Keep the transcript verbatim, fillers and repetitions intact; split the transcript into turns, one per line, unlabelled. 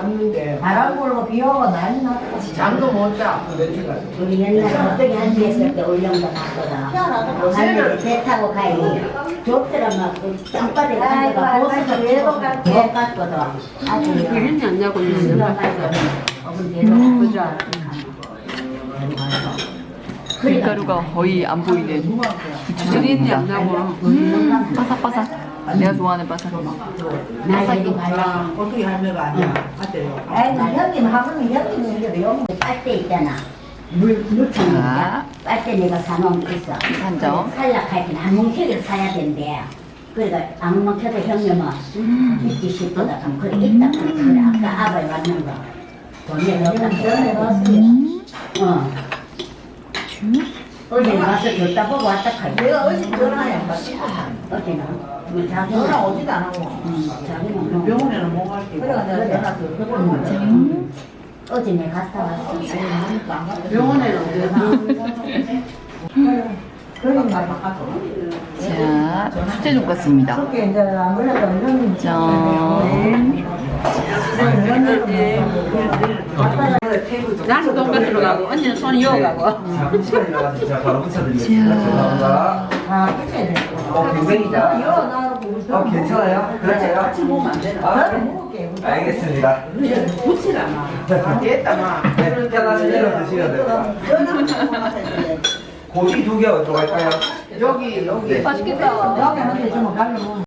왔는데
바람 불고 비 오고 난리 났다.
잠도 못 자. 며칠간.
우리 옛날에 어떻게 한지 했을 때 울릉도 갔거든. 할머니 배 타고 가니 좁더라 막 땅바닥에 앉아가 보스가 외도 갈게 못 갔거든. 아주
비린내 안 나고 있는
수가 가서 어분 데려가 그죠.
밀가루가 거의 안 보이는
비린내 안 나고.
음, 바삭바삭. 내가 좋아하는 바삭.
나에게 발라.
어떻게 할매가 아니야. 아대요.
아이 형님 하면 형님 이게 영 빨대 있잖아. 물 물통
자.
빨대 내가 사놓은 게 있어.
한점.
살락할 때는 한 뭉치를 사야 된대. 그러니까 안 먹혀도 형님은 믿기 싶거든. 그래 있다 그래 아까 아버지 왔는 거. 돈에 넣었다. 전에 넣었어요. 어. 어제 가서 줬다 보고 왔다 카이.
내가 어제 전화해 안 받지.
어제는 뭐 자기
전화 오지도 안 하고.
자기는 뭐
병원에는 못 갈게. 그래가 내가 전화 그
어제 내가 갔다 왔어.
병원에는 언제 가? 그러니까 바꿔줘.
자, 수제 돈가스입니다.
그렇게 이제 아무래도 형님
짠.
나는 돈가스로 가고 언니는 손 이어가고.
시간이 진짜 바로 붙여드리겠습니다. 죄송합니다.
아 그래 돼.
어, 굉장히다.
이거 나하고
어, 괜찮아요? 그럴까요?
같이 먹으면 안 되나?
아,
나는 먹을게.
알겠습니다.
붙이라 마. 안 됐다 마.
네, 편하신 대로 드시면 됩니다. 고기 두 개 어디로 갈까요?
여기 여기.
네.
여기 한테 주면 가면